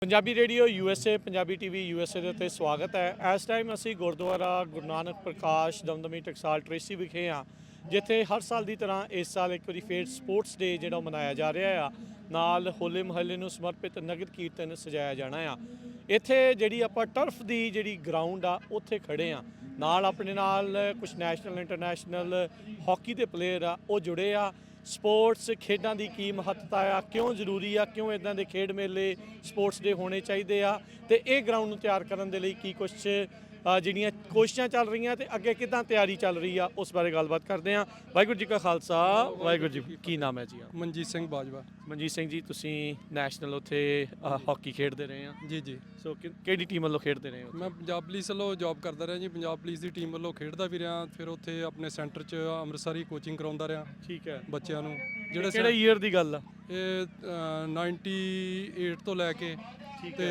Punjabi radio USA Punjabi TV USA ਦੇ ਉੱਤੇ ਸਵਾਗਤ ਹੈ। ਇਸ ਟਾਈਮ ਅਸੀਂ ਗੁਰਦੁਆਰਾ ਗੁਰੂ ਨਾਨਕ ਪ੍ਰਕਾਸ਼ ਦਮਦਮੀ ਟਕਸਾਲ ਟਰੇਸੀ ਵਿਖੇ ਹਾਂ, ਜਿੱਥੇ ਹਰ ਸਾਲ ਦੀ ਤਰ੍ਹਾਂ ਇਸ ਸਾਲ ਇੱਕ ਵਾਰੀ ਫੇਰ ਸਪੋਰਟਸ ਡੇ ਜਿਹੜਾ ਉਹ ਮਨਾਇਆ ਜਾ ਰਿਹਾ ਆ। ਨਾਲ ਹੋਲੇ ਮਹੱਲੇ ਨੂੰ ਸਮਰਪਿਤ ਨਗਰ ਕੀਰਤਨ ਸਜਾਇਆ ਜਾਣਾ ਆ। ਇੱਥੇ ਜਿਹੜੀ ਆਪਾਂ ਟਰਫ ਦੀ ਜਿਹੜੀ ਗਰਾਊਂਡ ਆ ਉੱਥੇ ਖੜੇ ਆ। ਨਾਲ ਆਪਣੇ ਨਾਲ ਕੁਝ ਨੈਸ਼ਨਲ ਇੰਟਰਨੈਸ਼ਨਲ ਹਾਕੀ ਦੇ ਪਲੇਅਰ ਆ, ਉਹ ਜੁੜੇ ਆ। ਸਪੋਰਟਸ ਖੇਡਾਂ ਦੀ ਕੀ ਮਹੱਤਤਾ ਆ, ਕਿਉਂ ਜ਼ਰੂਰੀ ਆ, ਕਿਉਂ ਇੱਦਾਂ ਦੇ ਖੇਡ ਮੇਲੇ ਸਪੋਰਟਸ ਦੇ ਹੋਣੇ ਚਾਹੀਦੇ ਆ, ਤੇ ਇਹ ਗਰਾਊਂਡ ਨੂੰ ਤਿਆਰ ਕਰਨ ਦੇ ਲਈ ਕੀ ਕੁਛ ਜਿਹੜੀਆਂ ਕੋਸ਼ਿਸ਼ਾਂ ਚੱਲ ਰਹੀਆਂ ਤੇ ਅੱਗੇ ਕਿੱਦਾਂ ਤਿਆਰੀ ਚੱਲ ਰਹੀ ਆ, ਉਸ ਬਾਰੇ ਗੱਲਬਾਤ ਕਰਦੇ ਆ। ਵਾਹਿਗੁਰੂ ਜੀ ਕਾ ਖਾਲਸਾ, ਵਾਹਿਗੁਰੂ ਜੀ ਕੀ ਨਾਮ ਹੈ ਜੀ? ਮਨਜੀਤ ਸਿੰਘ ਬਾਜਵਾ। ਮਨਜੀਤ ਸਿੰਘ ਜੀ, ਤੁਸੀਂ ਨੈਸ਼ਨਲ ਉੱਥੇ ਹਾਕੀ ਖੇਡਦੇ ਰਹੇ ਆ? ਜੀ ਜੀ। ਸੋ ਕਿਹੜੀ ਟੀਮ ਵੱਲੋਂ ਖੇਡਦੇ ਰਹੇ ਹੋ? ਮੈਂ ਪੰਜਾਬ ਪੁਲਿਸ ਵੱਲੋਂ ਜੌਬ ਕਰਦਾ ਰਿਹਾ ਜੀ। ਪੰਜਾਬ ਪੁਲਿਸ ਦੀ ਟੀਮ ਵੱਲੋਂ ਖੇਡਦਾ ਵੀ ਰਿਹਾ, ਫਿਰ ਉੱਥੇ ਆਪਣੇ ਸੈਂਟਰ 'ਚ ਅੰਮ੍ਰਿਤਸਰੀ ਕੋਚਿੰਗ ਕਰਾਉਂਦਾ ਰਿਹਾ। ਠੀਕ ਹੈ। ਬੱਚਿਆਂ ਨੂੰ ਕਿਹੜੇ ਈਅਰ ਦੀ ਗੱਲ ਆ ਇਹ 98 ਤੋਂ ਲੈ ਕੇ ਤੇ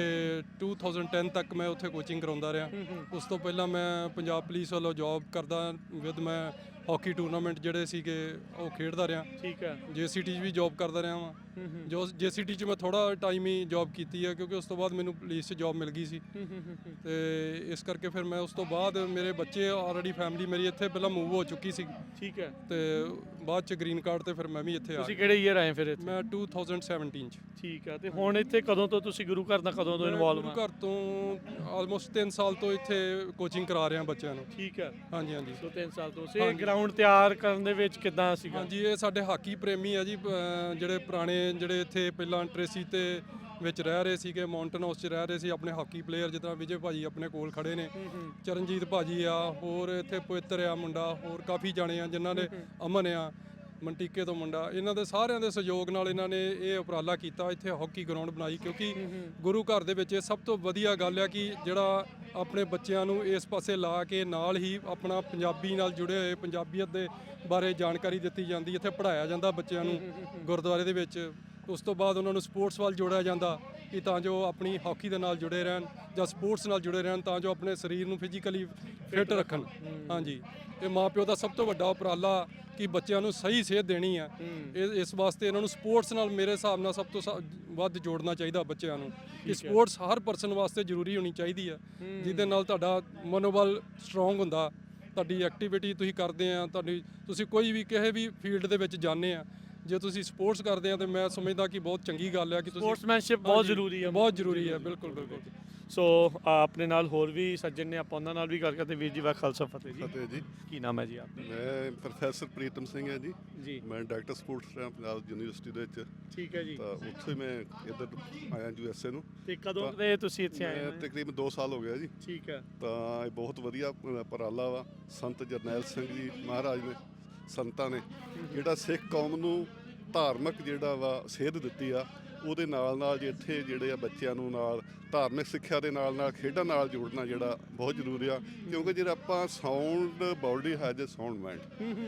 2010 ਤੱਕ ਮੈਂ ਉੱਥੇ ਕੋਚਿੰਗ ਕਰਾਉਂਦਾ ਰਿਹਾ। ਉਸ ਤੋਂ ਪਹਿਲਾਂ ਮੈਂ ਪੰਜਾਬ ਪੁਲਿਸ ਵੱਲੋਂ ਜੌਬ ਕਰਦਾ ਵਿਦ ਮੈਂ ਹਾਕੀ ਟੂਰਨਾਮੈਂਟ ਜਿਹੜੇ ਸੀਗੇ ਉਹ ਖੇਡਦਾ ਰਿਹਾ। ਠੀਕ ਹੈ। JCT 'ਚ ਵੀ ਜੌਬ ਕਰਦਾ ਰਿਹਾ ਵਾਂ। ਜੋ JCT 'ਚ ਮੈਂ ਥੋੜਾ ਟਾਈਮ ਹੀ ਜੌਬ ਕੀਤੀ ਹੈ, ਕਿਉਂਕਿ ਉਸ ਤੋਂ ਬਾਅਦ ਮੈਨੂੰ ਪੁਲਿਸ 'ਚ ਜੌਬ ਮਿਲ ਗਈ ਸੀ, ਤੇ ਇਸ ਕਰਕੇ ਫਿਰ ਮੈਂ ਉਸ ਤੋਂ ਬਾਅਦ ਮੇਰੇ ਬੱਚੇ ਆਲਰੇਡੀ ਫੈਮਿਲੀ ਮੇਰੀ ਇੱਥੇ ਪਹਿਲਾਂ ਮੂਵ ਹੋ ਚੁੱਕੀ ਸੀ। ਠੀਕ ਹੈ। ਤੇ ਬਾਅਦ 'ਚ ਗ੍ਰੀਨ ਕਾਰਡ ਤੇ ਫਿਰ ਮੈਂ ਵੀ ਇੱਥੇ ਆ ਤੁਸੀਂ ਕਿਹੜੇ ਈਅਰ ਆਏ ਫਿਰ ਇੱਥੇ? ਮੈਂ 2017 'ਚ। ਠੀਕ ਹੈ। ਤੇ ਹੁਣ ਇੱਥੇ ਕਦੋਂ ਤੋਂ ਤੁਸੀਂ ਗੁਰੂ ਘਰ ਦਾ ਕਦੋਂ ਤੋਂ ਇਨਵੋਲਵ ਆ? ਘਰ ਤੋਂ ਆਲਮੋਸਟ 3 ਸਾਲ ਤੋਂ ਇੱਥੇ ਕੋਚਿੰਗ ਕਰਾ ਰਿਹਾ ਬੱਚਿਆਂ ਨੂੰ। ਠੀਕ ਹੈ। ਹਾਂਜੀ ਹਾਂਜੀ। ਸੋ 3 ਸਾਲ ਤੋਂ ਇਹ ਗਰਾਊਂਡ ਤਿਆਰ ਕਰਨ ਦੇ ਵਿੱਚ ਕਿੱਦਾਂ ਸੀਗਾ? ਹਾਂਜੀ, ਇਹ ਸਾਡੇ ਹਾਕੀ ਪ੍ਰੇਮੀ ਆ ਜੀ, ਜਿਹੜੇ ਪੁਰਾਣੇ ਜਿਹੜੇ ਇੱਥੇ ਪਹਿਲਾਂ ਟਰੇਸੀ ਤੇ ਵਿੱਚ ਰਹਿ ਰਹੇ ਸੀਗੇ, ਮਾਊਂਟਨ ਹਾਊਸ 'ਚ ਰਹਿ ਰਹੇ ਸੀ, ਆਪਣੇ ਹਾਕੀ ਪਲੇਅਰ ਜਿੱਦਾਂ ਵਿਜੇ ਭਾਜੀ ਆਪਣੇ ਕੋਲ ਖੜੇ ਨੇ, ਚਰਨਜੀਤ ਭਾਜੀ ਆ, ਹੋਰ ਇੱਥੇ ਪਵਿੱਤਰ ਆ ਮੁੰਡਾ, ਹੋਰ ਕਾਫੀ ਜਾਣੇ ਆ ਜਿਨ੍ਹਾਂ ਨੇ, ਅਮਨ ਆ ਮੰਟੀਕੇ ਤੋਂ ਮੁੰਡਾ, ਇਹਨਾਂ ਦੇ ਸਾਰਿਆਂ ਦੇ ਸਹਿਯੋਗ ਨਾਲ ਇਹਨਾਂ ਨੇ ਇਹ ਉਪਰਾਲਾ ਕੀਤਾ, ਇੱਥੇ ਹਾਕੀ ਗਰਾਊਂਡ ਬਣਾਈ। ਕਿਉਂਕਿ ਗੁਰੂ ਘਰ ਦੇ ਵਿੱਚ ਇਹ ਸਭ ਤੋਂ ਵਧੀਆ ਗੱਲ ਆ ਕਿ ਜਿਹੜਾ ਆਪਣੇ ਬੱਚਿਆਂ ਨੂੰ ਇਸ ਪਾਸੇ ਲਾ ਕੇ ਨਾਲ ਹੀ ਆਪਣਾ ਪੰਜਾਬੀ ਨਾਲ ਜੁੜੇ ਹੋਏ ਪੰਜਾਬੀਅਤ ਦੇ ਬਾਰੇ ਜਾਣਕਾਰੀ ਦਿੱਤੀ ਜਾਂਦੀ, ਇੱਥੇ ਪੜ੍ਹਾਇਆ ਜਾਂਦਾ ਬੱਚਿਆਂ ਨੂੰ ਗੁਰਦੁਆਰੇ ਦੇ ਵਿੱਚ। ਉਸ ਤੋਂ ਬਾਅਦ ਉਹਨਾਂ ਨੂੰ ਸਪੋਰਟਸ ਵੱਲ ਜੋੜਿਆ ਜਾਂਦਾ ਕਿ ਤਾਂ ਜੋ ਆਪਣੀ ਹਾਕੀ ਦੇ ਨਾਲ ਜੁੜੇ ਰਹਿਣ ਜਾਂ ਸਪੋਰਟਸ ਨਾਲ ਜੁੜੇ ਰਹਿਣ, ਤਾਂ ਜੋ ਆਪਣੇ ਸਰੀਰ ਨੂੰ ਫਿਜ਼ੀਕਲੀ ਫਿੱਟ ਰੱਖਣ। ਹਾਂਜੀ, ਇਹ ਮਾਪਿਓ ਦਾ ਸਭ ਤੋਂ ਵੱਡਾ ਉਪਰਾਲਾ ਕਿ ਬੱਚਿਆਂ ਨੂੰ ਸਹੀ ਸੇਧ ਦੇਣੀ ਆ। ਇਸ ਵਾਸਤੇ ਇਹਨਾਂ ਨੂੰ ਸਪੋਰਟਸ ਨਾਲ ਮੇਰੇ ਹਿਸਾਬ ਨਾਲ ਸਭ ਤੋਂ ਵੱਧ ਜੋੜਨਾ ਚਾਹੀਦਾ ਬੱਚਿਆਂ ਨੂੰ, ਕਿ ਸਪੋਰਟਸ ਹਰ ਪਰਸਨ ਵਾਸਤੇ ਜ਼ਰੂਰੀ ਹੋਣੀ ਚਾਹੀਦੀ ਆ, ਜਿਹਦੇ ਨਾਲ ਤੁਹਾਡਾ ਮਨੋਬਲ ਸਟਰੋਂਗ ਹੁੰਦਾ, ਤੁਹਾਡੀ ਐਕਟੀਵਿਟੀ ਤੁਸੀਂ ਕਰਦੇ ਆ, ਤੁਸੀਂ ਕੋਈ ਵੀ ਕਿਸੇ ਵੀ ਫੀਲਡ ਦੇ ਵਿੱਚ ਜਾਂਦੇ ਆ, ਜੇ ਤੁਸੀਂ ਸਪੋਰਟਸ ਕਰਦੇ ਆ ਤਾਂ ਮੈਂ ਸਮਝਦਾ ਕਿ ਬਹੁਤ ਚੰਗੀ ਗੱਲ ਆ ਕਿ ਤੁਸੀਂ ਸਪੋਰਟਸਮੈਨਸ਼ਿਪ ਬਹੁਤ ਜ਼ਰੂਰੀ ਹੈ। ਬਹੁਤ ਜ਼ਰੂਰੀ ਹੈ, ਬਿਲਕੁਲ ਬਿਲਕੁਲ। ਸੋ ਆਪਣੇ ਨਾਲ ਹੋਰ ਵੀ ਸੱਜਣ ਨੇ, ਆਪਾਂ ਉਹਨਾਂ ਨਾਲ ਵੀ ਗੱਲ ਕਰਦੇ। ਵੀਰ ਜੀ ਵਾਹ ਖਾਲਸਾ ਫਤਿਹ ਜੀ। ਫਤਿਹ ਜੀ। ਕੀ ਨਾਮ ਹੈ ਜੀ ਆਪਣਾ? ਮੈਂ ਪ੍ਰੋਫੈਸਰ ਪ੍ਰੀਤਮ ਸਿੰਘ ਹੈ ਜੀ। ਜੀ। ਮੈਂ ਡਾਇਰੈਕਟਰ ਸਪੋਰਟਸ ਰਿਹਾ ਪੰਜਾਬ ਯੂਨੀਵਰਸਿਟੀ ਦੇ ਵਿੱਚ। ਠੀਕ ਹੈ ਜੀ। ਤਾਂ ਉੱਥੇ ਮੈਂ ਇੱਧਰ ਆਇਆ USA ਨੂੰ। ਤੇ ਕਦੋਂ ਦੇ ਤੁਸੀਂ ਇੱਥੇ ਆਏ ਹੋ? ਤਕਰੀਬਨ 2 ਸਾਲ ਹੋ ਗਏ ਜੀ। ਠੀਕ ਹੈ। ਤਾਂ ਇਹ ਬਹੁਤ ਵਧੀਆ ਉਪਰਾਲਾ ਵਾ ਸੰਤ ਜਰਨੈਲ ਸਿੰਘ ਜੀ ਮਹਾਰਾਜ ਨੇ, ਸੰਤਾਂ ਨੇ ਜਿਹੜਾ ਸਿੱਖ ਕੌਮ ਨੂੰ ਧਾਰਮਿਕ ਜਿਹੜਾ ਵਾ ਸੇਧ ਦਿੱਤੀ ਆ, ਉਹਦੇ ਨਾਲ ਨਾਲ ਜੇ ਇੱਥੇ ਜਿਹੜੇ ਆ ਬੱਚਿਆਂ ਨੂੰ ਨਾਲ ਧਾਰਮਿਕ ਸਿੱਖਿਆ ਦੇ ਨਾਲ ਨਾਲ ਖੇਡਾਂ ਨਾਲ ਜੋੜਨਾ ਜਿਹੜਾ ਬਹੁਤ ਜ਼ਰੂਰੀ ਆ। ਕਿਉਂਕਿ ਜਿਹੜਾ ਆਪਾਂ ਸਾਊਂਡ ਬਾਡੀ ਹੈ ਜੇ ਸਾਊਂਡ ਮਾਈਂਡ,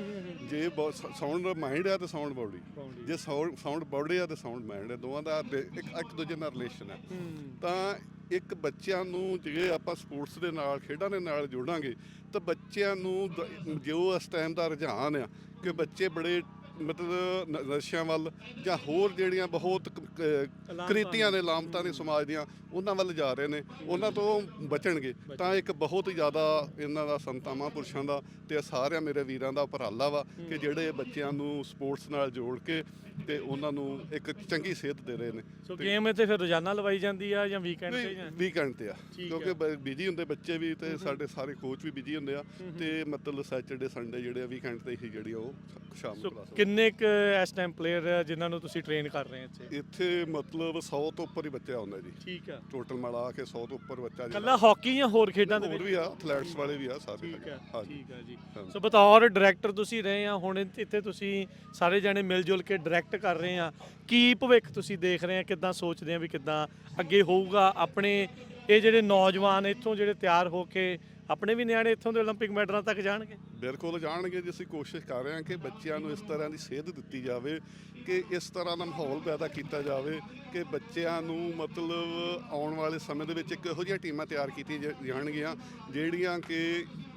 ਜੇ ਸਾਊਂਡ ਮਾਈਂਡ ਆ ਤੇ ਸਾਊਂਡ ਬਾਡੀ, ਜੇ ਸਾਊਂਡ ਬਾਡੀ ਆ ਤੇ ਸਾਊਂਡ ਮਾਈਂਡ ਹੈ, ਦੋਵਾਂ ਦਾ ਇੱਕ ਦੂਜੇ ਨਾਲ ਰਿਲੇਸ਼ਨ ਹੈ। ਤਾਂ ਇੱਕ ਬੱਚਿਆਂ ਨੂੰ ਜੇ ਆਪਾਂ ਸਪੋਰਟਸ ਦੇ ਨਾਲ ਖੇਡਾਂ ਦੇ ਨਾਲ ਜੋੜਾਂਗੇ ਤਾਂ ਬੱਚਿਆਂ ਨੂੰ ਜੋ ਇਸ ਟਾਈਮ ਦਾ ਰੁਝਾਨ ਆ ਕਿ ਬੱਚੇ ਬੜੇ ਮਤਲਬ ਨਸ਼ਿਆਂ ਵੱਲ ਜਾਂ ਹੋਰ ਜਿਹੜੀਆਂ ਬਹੁਤ ਕ੍ਰਿਤੀਆਂ ਨੇ, ਲਾਮਤਾਂ ਨੇ ਸਮਾਜ ਦੀਆਂ, ਉਹਨਾਂ ਵੱਲ ਜਾ ਰਹੇ ਨੇ, ਉਹਨਾਂ ਤੋਂ ਬਚਣਗੇ। ਤਾਂ ਇੱਕ ਬਹੁਤ ਹੀ ਜ਼ਿਆਦਾ ਇਹਨਾਂ ਦਾ ਸੰਤਾਂ ਮਹਾਂਪੁਰਸ਼ਾਂ ਦਾ ਤੇ ਸਾਰਿਆਂ ਮੇਰੇ ਵੀਰਾਂ ਦਾ ਉਪਰਾਲਾ ਵਾ ਕਿ ਜਿਹੜੇ ਬੱਚਿਆਂ ਨੂੰ ਸਪੋਰਟਸ ਨਾਲ ਜੋੜ ਕੇ ਤੇ ਉਹਨਾਂ ਨੂੰ ਇੱਕ ਚੰਗੀ ਸੇਧ ਦੇ ਰਹੇ ਨੇ। ਸੋ ਗੇਮ ਇੱਥੇ ਫਿਰ ਰੋਜ਼ਾਨਾ ਲਵਾਈ ਜਾਂਦੀ ਆ ਜਾਂ ਵੀਕਐਂਡ ਤੇ? ਵੀਕਐਂਡ ਤੇ ਆ, ਕਿਉਂਕਿ ਬਿਜੀ ਹੁੰਦੇ ਬੱਚੇ ਵੀ ਤੇ ਸਾਡੇ ਸਾਰੇ ਕੋਚ ਵੀ ਬਿਜੀ ਹੁੰਦੇ ਆ, ਤੇ ਮਤਲਬ ਸੈਟਰਡੇ ਸੰਡੇ ਜਿਹੜੇ ਵੀਕਐਂਡ ਤੇ ਹੀ ਜਿਹੜੀ ਉਹ ਸ਼ਾਮ ਨੂੰ ਕਲਾਸ। ਕਿੰਨੇ ਕੁ ਇਸ ਟਾਈਮ ਪਲੇਅਰ ਜਿਨ੍ਹਾਂ ਨੂੰ ਤੁਸੀਂ ਟ੍ਰੇਨ ਕਰ ਰਹੇ ਹੋ ਇੱਥੇ ਮਤਲਬ 100 ਤੋਂ ਉੱਪਰ ਹੀ ਬੱਚਾ ਆਉਂਦਾ ਜੀ। ਠੀਕ ਆ। ਟੋਟਲ ਮਿਲਾ ਕੇ 100 ਤੋਂ ਉੱਪਰ ਬੱਚਾ ਜੀ। ਕੱਲਾ ਹਾਕੀ ਜਾਂ ਹੋਰ ਖੇਡਾਂ ਦੇ ਹੋਰ ਵੀ ਆ, ਐਥਲੈਟਸ ਵਾਲੇ ਵੀ ਆ ਸਾਰੇ। ਠੀਕ ਹੈ। ਠੀਕ ਹੈ ਜੀ। ਸੋ ਬਤੌਰ ਡਾਇਰੈਕਟਰ ਤੁਸੀਂ ਰਹੇ ਆ, ਹੁਣ ਇੱਥੇ ਤੁਸੀਂ ਸਾਰੇ ਜਣੇ ਮਿਲ ਜੁਲ ਕੇ ਡਾਇਰੈਕਟ ਕਰ ਰਹੇ ਆ, ਕੀ ਭਵਿੱਖ ਤੁਸੀਂ ਦੇਖ ਰਹੇ ਆ, ਕਿੱਦਾਂ ਸੋਚਦੇ ਆ ਵੀ ਕਿੱਦਾਂ ਅੱਗੇ ਹੋਊਗਾ? ਆਪਣੇ ਇਹ ਜਿਹੜੇ ਨੌਜਵਾਨ ਇੱਥੋਂ ਜਿਹੜੇ ਤਿਆਰ ਹੋ ਕੇ ਆਪਣੇ ਵੀ ਨਿਆਣੇ ਇੱਥੋਂ ਦੇ 올림픽 ਮੈਡਲਾਂ ਤੱਕ ਜਾਣਗੇ? ਬਿਲਕੁਲ ਜਾਣਗੇ ਜੀ। ਅਸੀਂ ਕੋਸ਼ਿਸ਼ ਕਰ ਰਹੇ ਹਾਂ ਕਿ ਬੱਚਿਆਂ ਨੂੰ ਇਸ ਤਰ੍ਹਾਂ ਦੀ ਸੇਧ ਦਿੱਤੀ ਜਾਵੇ, ਕਿ ਇਸ ਤਰ੍ਹਾਂ ਦਾ ਮਾਹੌਲ ਪੈਦਾ ਕੀਤਾ ਜਾਵੇ ਕਿ ਬੱਚਿਆਂ ਨੂੰ ਮਤਲਬ ਆਉਣ ਵਾਲੇ ਸਮੇਂ ਦੇ ਵਿੱਚ ਇੱਕ ਇਹੋ ਜਿਹੀਆਂ ਟੀਮਾਂ ਤਿਆਰ ਕੀਤੀਆਂ ਜਾਣਗੀਆਂ ਜਿਹੜੀਆਂ ਕਿ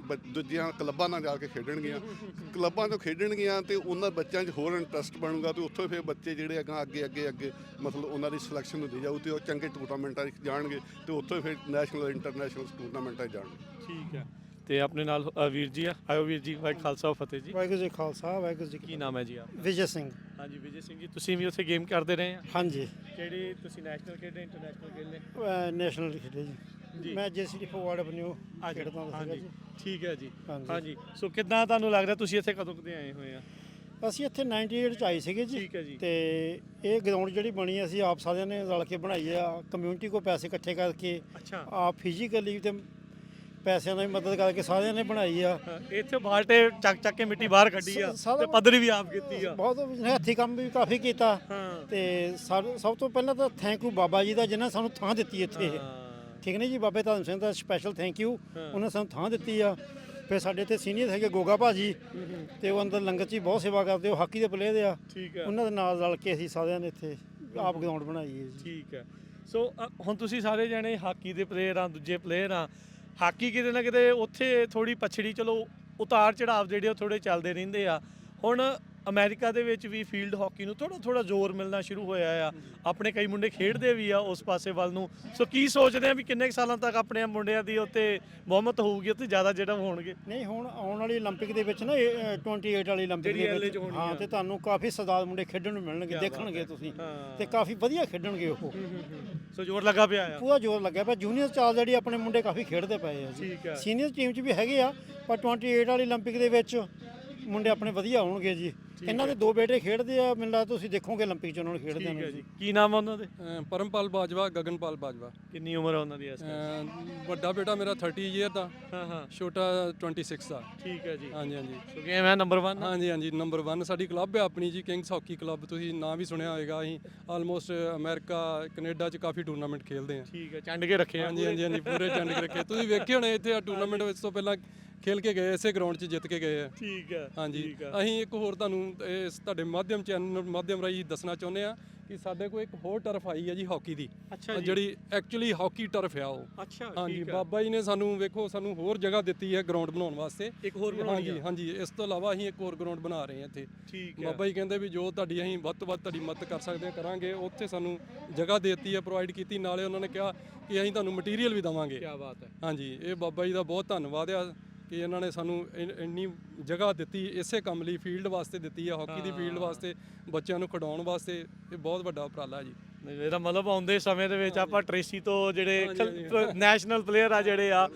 ਦੂਜੀਆਂ ਕਲੱਬਾਂ ਨਾਲ ਜਾ ਕੇ ਖੇਡਣਗੀਆਂ, ਕਲੱਬਾਂ ਤੋਂ ਖੇਡਣਗੀਆਂ ਤੇ ਉਹਨਾਂ ਬੱਚਿਆਂ 'ਚ ਹੋਰ ਇੰਟਰਸਟ ਬਣੂਗਾ ਤੇ ਉੱਥੋਂ ਫਿਰ ਬੱਚੇ ਜਿਹੜੇ ਅੱਗੇ ਮਤਲਬ ਉਹਨਾਂ ਦੀ ਸਿਲੈਕਸ਼ਨ ਹੁੰਦੀ ਜਾਊ ਤੇ ਉਹ ਚੰਗੇ ਟੂਰਨਾਮੈਂਟਾਂ 'ਚ ਜਾਣਗੇ ਤੇ ਉੱਥੋਂ ਫਿਰ ਨੈਸ਼ਨਲ ਇੰਟਰਨੈਸ਼ਨਲ ਟੂਰਨਾਮੈਂਟਾਂ 'ਚ ਜਾਣਗੇ। ਠੀਕ ਹੈ। ਤੇ ਆਪਣੇ ਨਾਲ ਵੀਰ ਜੀ ਆ, ਆਇਓ ਵੀਰ ਜੀ, ਵਾਹਿਗੁਰੂ ਖਾਲਸਾ ਫਤਿਹ ਜੀ। ਵਾਹਿਗੁਰੂ ਜੀ ਖਾਲਸਾ ਵਾਹਿਗੁਰੂ ਜੀ ਕੀ ਨਾਮ ਹੈ ਜੀ ਆਪ? ਵਿਜੇ ਸਿੰਘ। ਹਾਂਜੀ ਵਿਜੇ ਸਿੰਘ ਜੀ, ਤੁਸੀਂ ਵੀ ਉੱਥੇ ਗੇਮ ਕਰਦੇ ਰਹੇ ਆ? ਹਾਂਜੀ ਕਿਹੜੇ ਤੁਸੀਂ ਨੈਸ਼ਨਲ ਖੇਡੇ, ਇੰਟਰਨੈਸ਼ਨਲ ਖੇਡੇ? ਨੈਸ਼ਨਲ ਖੇਡੇ ਜੀ। ਜੀ। ਮੈਂ ਜੇਸੀਡੀ ਫੋਰਵਰਡ ਬਨਿਓ ਖੇਡਦਾ ਹੁੰਦਾ ਸੀਗਾ ਹਾਂਜੀ ਜੀ। ਠੀਕ ਹੈ ਜੀ। ਹਾਂਜੀ। ਹਾਂਜੀ ਸੋ ਕਿੱਦਾਂ ਤੁਹਾਨੂੰ ਲੱਗਦਾ ਤੁਸੀਂ ਇੱਥੇ ਕਦੋਂ ਕਦੇ ਆਏ ਹੋਏ ਆ? ਅਸੀਂ ਇੱਥੇ 98 ਚ ਆਏ ਸੀਗੇ ਜੀ। ਠੀਕ ਹੈ ਜੀ। ਤੇ ਇਹ ਗਰਾਊਂਡ ਜਿਹੜੀ ਬਣੀ ਅਸੀਂ ਆਪ ਸਾਰਿਆਂ ਨੇ ਰਲ ਕੇ ਬਣਾਈ ਆ, ਕਮਿਊਨਿਟੀ ਕੋ ਪੈਸੇ ਇਕੱਠੇ ਕਰਕੇ ਅੱਛਾ। ਆਪ ਫਿਜ਼ੀਕਲੀ ਤੇ ਪੈਸਿਆਂ ਨਾਲ ਵੀ ਮਦਦ ਕਰਕੇ ਸਾਰਿਆਂ ਨੇ ਬਣਾਈ ਆ। ਇੱਥੇ ਬਾਲਟੇ ਚੱਕ ਕੇ ਮਿੱਟੀ ਬਾਹਰ ਕੱਢੀ ਆ ਤੇ ਪੱਧਰੀ ਵੀ ਆਪ ਕੀਤੀ ਆ। ਬਹੁਤ ਹੱਥੀਂ ਕੰਮ ਵੀ ਕਾਫੀ ਕੀਤਾ। ਹਾਂ। ਤੇ ਸਭ ਤੋਂ ਪਹਿਲਾਂ ਤਾਂ ਥੈਂਕ ਯੂ ਬਾਬਾ ਜੀ ਦਾ ਜਿਨ੍ਹਾਂ ਸਾਨੂੰ ਥਾਂ ਦਿੱਤੀ ਇੱਥੇ। ਠੀਕ ਨੇ ਜੀ, ਬਾਬੇ ਧਰਮ ਸਿੰਘ ਦਾ ਸਪੈਸ਼ਲ ਥੈਂਕ ਯੂ, ਉਹਨਾਂ ਸਾਨੂੰ ਥਾਂ ਦਿੱਤੀ ਆ। ਫਿਰ ਸਾਡੇ ਇੱਥੇ ਸੀਨੀਅਰ ਹੈਗੇ ਗੋਗਾ ਭਾਜੀ, ਤੇ ਉਹ ਅੰਦਰ ਲੰਗਰ 'ਚ ਹੀ ਬਹੁਤ ਸੇਵਾ ਕਰਦੇ, ਉਹ ਹਾਕੀ ਦੇ ਪਲੇਅਰ ਆ। ਠੀਕ ਹੈ। ਉਹਨਾਂ ਦੇ ਨਾਲ ਰਲ ਕੇ ਅਸੀਂ ਸਾਰਿਆਂ ਨੇ ਇੱਥੇ ਆਪ ਗਰਾਊਂਡ ਬਣਾਈ ਹੈ ਜੀ। ਠੀਕ ਹੈ। ਸੋ ਹੁਣ ਤੁਸੀਂ ਸਾਰੇ ਜਣੇ ਹਾਕੀ ਦੇ ਪਲੇਅਰ ਆ, ਦੂਜੇ ਪਲੇਅਰ ਆ। ਹਾਕੀ ਕਿਤੇ ਨਾ ਕਿਤੇ ਉੱਥੇ ਥੋੜੀ ਪਛੜੀ, ਚਲੋ ਉਤਾਰ ਚੜਾਵ ਜਿਹੜੇ ਉਹ ਥੋੜੇ ਚੱਲਦੇ ਰਹਿੰਦੇ ਆ। ਹੁਣ ਅਮਰੀਕਾ ਦੇ ਵਿੱਚ ਵੀ ਫੀਲਡ ਹਾਕੀ ਨੂੰ ਥੋੜਾ ਜ਼ੋਰ ਮਿਲਣਾ ਸ਼ੁਰੂ ਹੋਇਆ ਆ। ਆਪਣੇ ਕਈ ਮੁੰਡੇ ਖੇਡਦੇ ਵੀ ਆ ਉਸ ਪਾਸੇ ਵੱਲ ਨੂੰ। ਸੋ ਕੀ ਸੋਚਦੇ ਆ ਵੀ ਕਿੰਨੇ ਕੁ ਸਾਲਾਂ ਤੱਕ ਆਪਣੇ ਮੁੰਡਿਆਂ ਦੀ ਉੱਤੇ ਬਹੁਮਤ ਹੋਊਗੀ, ਉੱਥੇ ਜ਼ਿਆਦਾ ਜਿਹੜਾ ਹੋਣਗੇ? ਨਹੀਂ, ਹੁਣ ਆਉਣ ਵਾਲੀ 올림픽 ਦੇ ਵਿੱਚ ਨਾ 28 ਵਾਲੀ 올림픽 ਜਿਹੜੀ ਦੇ LA 'ਚ ਵਿੱਚ ਹੋਣੀ ਹਾਂ, ਆ। ਤੇ ਤੁਹਾਨੂੰ ਕਾਫੀ ਸਰਦਾਰ ਮੁੰਡੇ ਖੇਡਣ ਨੂੰ ਮਿਲਣਗੇ, ਦੇਖਣਗੇ ਤੁਸੀਂ, ਤੇ ਕਾਫੀ ਵਧੀਆ ਖੇਡਣਗੇ ਉਹ। ਸੋ ਜ਼ੋਰ ਲੱਗਾ ਪਿਆ ਆ। ਪੂਰਾ ਜ਼ੋਰ ਲੱਗਿਆ ਪਿਆ। ਜੂਨੀਅਰ ਚਾਲ ਜਿਹੜੀ ਆਪਣੇ ਮੁੰਡੇ ਕਾਫੀ ਖੇਡਦੇ ਪਏ ਆ ਜੀ। ਠੀਕ ਹੈ। ਸੀਨੀਅਰ ਟੀਮ 'ਚ ਵੀ ਹੈਗੇ ਆ, ਪਰ 28 ਵਾਲੀ 올림픽 ਦੇ ਵਿੱਚ ਮੁੰਡੇ ਆਪਣੇ ਵਧੀਆ ਹੋਣਗੇ ਜੀ। ਇਹਨਾਂ ਦੇ ਦੋ ਬੇਟੇ ਖੇਡਦੇ ਆ, ਮੈਨੂੰ ਲੱਗਦਾ ਤੁਸੀਂ ਦੇਖੋਗੇ 올림픽 'ਚ ਉਹਨਾਂ ਨੂੰ ਖੇਡਦੇ ਠੀਕ ਹੈ ਨੇ ਜੀ। ਕੀ ਨਾਮ ਆ ਉਹਨਾਂ ਦੇ? ਪਰਮਪਾਲ ਬਾਜਵਾ, ਗਗਨਪਾਲ ਬਾਜਵਾ। ਕਿੰਨੀ ਉਮਰ ਆ ਉਹਨਾਂ ਦੀ ਇਸ ਟਾਈਮ? ਵੱਡਾ ਬੇਟਾ ਮੇਰਾ 30 ਈਅਰ ਦਾ, ਹਾਂ। ਛੋਟਾ 26 ਦਾ। ਠੀਕ ਹੈ ਜੀ। ਹਾਂਜੀ ਹਾਂਜੀ। ਸੋ ਗੇਮ ਹੈ ਨੰਬਰ 1। ਹਾਂਜੀ ਹਾਂਜੀ, ਨੰਬਰ 1 ਸਾਡੀ ਕਲੱਬ ਹੈ ਆਪਣੀ ਜੀ, ਕਿੰਗਸ ਹਾਕੀ ਕਲੱਬ। ਤੁਸੀਂ ਨਾਂ ਵੀ ਸੁਣਿਆ ਹੋਵੇਗਾ। ਅਸੀਂ ਆਲਮੋਸਟ ਅਮਰੀਕਾ, ਕੈਨੇਡਾ 'ਚ ਕਾਫੀ ਟੂਰਨਾਮੈਂਟ ਖੇਡਦੇ ਹਾਂ। ਠੀਕ ਹੈ, ਚੰਡ ਕੇ ਰੱਖੇ ਆ। ਹਾਂਜੀ ਹਾਂਜੀ ਹਾਂਜੀ, ਪੂਰੇ ਚੰਡ ਕੇ ਰੱਖੇ। ਤੁਸੀਂ ਵੇਖੇ ਹੋਣੇ ਇੱਥੇ ਆ ਟੂਰਨਾਮੈਂਟ ਵਿੱਚ ਤੋਂ ਪਹਿਲਾਂ ਖੇਲ ਕੇ ਗਏ, ਇਸੇ ਗਰਾਊਂਡ 'ਚ ਜਿੱਤ ਕੇ ਗਏ ਆ। ਠੀਕ ਹੈ। ਹਾਂਜੀ। ਠੀਕ ਹੈ। ਅਸੀਂ ਇੱਕ ਹੋਰ ਤੁਹਾਨੂੰ ਇਸ ਤੁਹਾਡੇ ਮਾਧਿਅਮ ਚੈਨਲ ਮਾਧਿਅਮ ਰਾਹੀਂ ਦੱਸਣਾ ਚਾਹੁੰਦੇ ਆ ਕਿ ਸਾਡੇ ਕੋਲ ਇੱਕ ਹੋਰ ਟਰਫ ਆਈ ਹੈ ਜੀ ਹਾਕੀ ਦੀ, ਅੱਛਾ ਜੀ। ਜਿਹੜੀ ਐਕਚੁਅਲੀ ਹਾਕੀ ਟਰਫ ਆ ਉਹ। ਅੱਛਾ। ਹਾਂਜੀ, ਠੀਕ ਹੈ। ਬਾਬਾ ਜੀ ਨੇ ਸਾਨੂੰ ਵੇਖੋ ਸਾਨੂੰ ਹੋਰ ਜਗ੍ਹਾ ਦਿੱਤੀ ਹੈ ਗਰਾਊਂਡ ਬਣਾਉਣ ਵਾਸਤੇ। ਇੱਕ ਹੋਰ ਬਣਾਉਣੀ ਹਾਂਜੀ ਆ। ਹਾਂਜੀ, ਇਸ ਤੋਂ ਇਲਾਵਾ ਅਸੀਂ ਇੱਕ ਹੋਰ ਗਰਾਊਂਡ ਬਣਾ ਰਹੇ ਹਾਂ ਇੱਥੇ। ਠੀਕ ਹੈ। ਬਾਬਾ ਜੀ ਕਹਿੰਦੇ ਵੀ ਜੋ ਤੁਹਾਡੀ ਅਸੀਂ ਵੱਧ ਤੋਂ ਵੱਧ ਤੁਹਾਡੀ ਮਦਦ ਕਰ ਸਕਦੇ ਹਾਂ ਕਰਾਂਗੇ। ਉੱਥੇ ਸਾਨੂੰ ਜਗ੍ਹਾ ਦੇਤੀ ਹੈ, ਪ੍ਰੋਵਾਈਡ ਕੀਤੀ। ਨਾਲੇ ਉਹਨਾਂ ਨੇ ਕਿਹਾ ਕਿ ਅਸੀਂ ਤੁਹਾਨੂੰ ਮਟੀਰੀਅਲ ਵੀ ਦੇਵਾਂਗੇ। ਕੀ ਬਾਤ ਹੈ। ਹਾਂਜੀ, ਇਹ ਬਾਬਾ ਜੀ ਦਾ ਬਹੁਤ ਧੰਨਵਾਦ ਆ ਕਿ ਇਹਨਾਂ ਨੇ ਸਾਨੂੰ ਇੰਨੀ ਜਗ੍ਹਾ ਦਿੱਤੀ, ਇਸੇ ਕੰਮ ਲਈ ਫੀਲਡ ਵਾਸਤੇ ਦਿੱਤੀ ਹੈ, ਹਾਕੀ ਦੀ ਫੀਲਡ ਵਾਸਤੇ, ਬੱਚਿਆਂ ਨੂੰ ਖਿਡਾਉਣ ਵਾਸਤੇ। ਇਹ ਬਹੁਤ ਵੱਡਾ ਉਪਰਾਲਾ ਜੀ। ਇਹਦਾ ਮਤਲਬ ਆਉਂਦੇ ਸਮੇਂ ਦੇ ਵਿੱਚ ਆਪਾਂ ਟ੍ਰੇਸੀ ਤੋਂ ਜਿਹੜੇ ਨੈਸ਼ਨਲ ਪਲੇਅਰ ਆ ਜਿਹੜੇ ਆ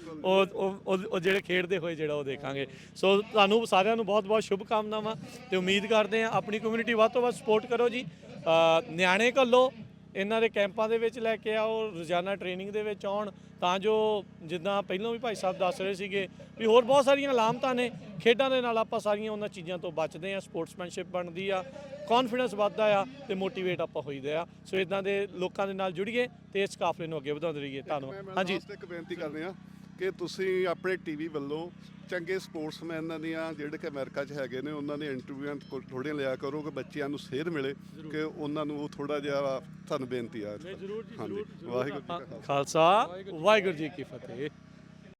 ਉਹ ਜਿਹੜੇ ਖੇਡਦੇ ਹੋਏ ਜਿਹੜਾ ਉਹ ਦੇਖਾਂਗੇ। ਸੋ ਤੁਹਾਨੂੰ ਸਾਰਿਆਂ ਨੂੰ ਬਹੁਤ ਬਹੁਤ ਸ਼ੁਭ ਕਾਮਨਾਵਾਂ, ਤੇ ਉਮੀਦ ਕਰਦੇ ਆ ਆਪਣੀ ਕਮਿਊਨਿਟੀ ਵੱਧ ਤੋਂ ਵੱਧ ਸਪੋਰਟ ਕਰੋ ਜੀ। ਨਿਆਣੇ ਘੱਲੋ, ਇਹਨਾਂ ਦੇ ਕੈਂਪਾਂ ਦੇ ਵਿੱਚ ਲੈ ਕੇ ਆਓ, ਰੋਜ਼ਾਨਾ ਟ੍ਰੇਨਿੰਗ ਦੇ ਵਿੱਚ ਆਉਣ, ਤਾਂ ਜੋ ਜਿੱਦਾਂ ਪਹਿਲਾਂ ਵੀ ਭਾਈ ਸਾਹਿਬ ਦੱਸ ਰਹੇ ਸੀਗੇ ਵੀ ਹੋਰ ਬਹੁਤ ਸਾਰੀਆਂ ਅਲਾਮਤਾਂ ਨੇ। ਖੇਡਾਂ ਦੇ ਨਾਲ ਆਪਾਂ ਸਾਰੀਆਂ ਉਹਨਾਂ ਚੀਜ਼ਾਂ ਤੋਂ ਬਚਦੇ ਆ, ਸਪੋਰਟਸਮੈਨਸ਼ਿਪ ਬਣਦੀ ਆ, ਕੌਨਫੀਡੈਂਸ ਵੱਧਦਾ ਆ, ਤੇ ਮੋਟੀਵੇਟ ਆਪਾਂ ਹੋਈਦੇ ਆ। ਸੋ ਇਦਾਂ ਦੇ ਲੋਕਾਂ ਦੇ ਨਾਲ ਜੁੜੀਏ ਤੇ ਇਸ ਕਾਫਲੇ ਨੂੰ ਅੱਗੇ ਵਧਾਉਂਦੇ ਰਹੀਏ। ਧੰਨਵਾਦ। ਹਾਂਜੀ, ਇੱਕ ਬੇਨਤੀ ਕਰਦੇ ਆ ਕਿ ਤੁਸੀਂ ਆਪਣੇ ਟੀਵੀ ਵੱਲੋਂ ਚੰਗੇ ਸਪੋਰਟਸਮੈਨਾਂ ਦੀਆਂ ਜਿਹੜੇ ਕਿ ਅਮਰੀਕਾ 'ਚ ਹੈਗੇ ਨੇ, ਉਹਨਾਂ ਦੇ ਇੰਟਰਵਿਊਆਂ ਥੋੜ੍ਹੀਆਂ ਲਿਆ ਕਰੋ ਕਿ ਬੱਚਿਆਂ ਨੂੰ ਸੇਧ ਮਿਲੇ, ਕਿ ਉਹਨਾਂ ਨੂੰ ਉਹ ਥੋੜਾ ਜਿਹਾ ਤੁਹਾਨੂੰ ਬੇਨਤੀ ਆ। ਜ਼ਰੂਰ ਜੀ, ਹਾਂਜੀ, ਜ਼ਰੂਰ। ਵਾਹਿਗੁਰੂ ਜੀ ਕਾ ਖਾਲਸਾ। ਖਾਲਸਾ ਵਾਹਿਗੁਰੂ ਜੀ ਕੀ ਫਤਿਹ।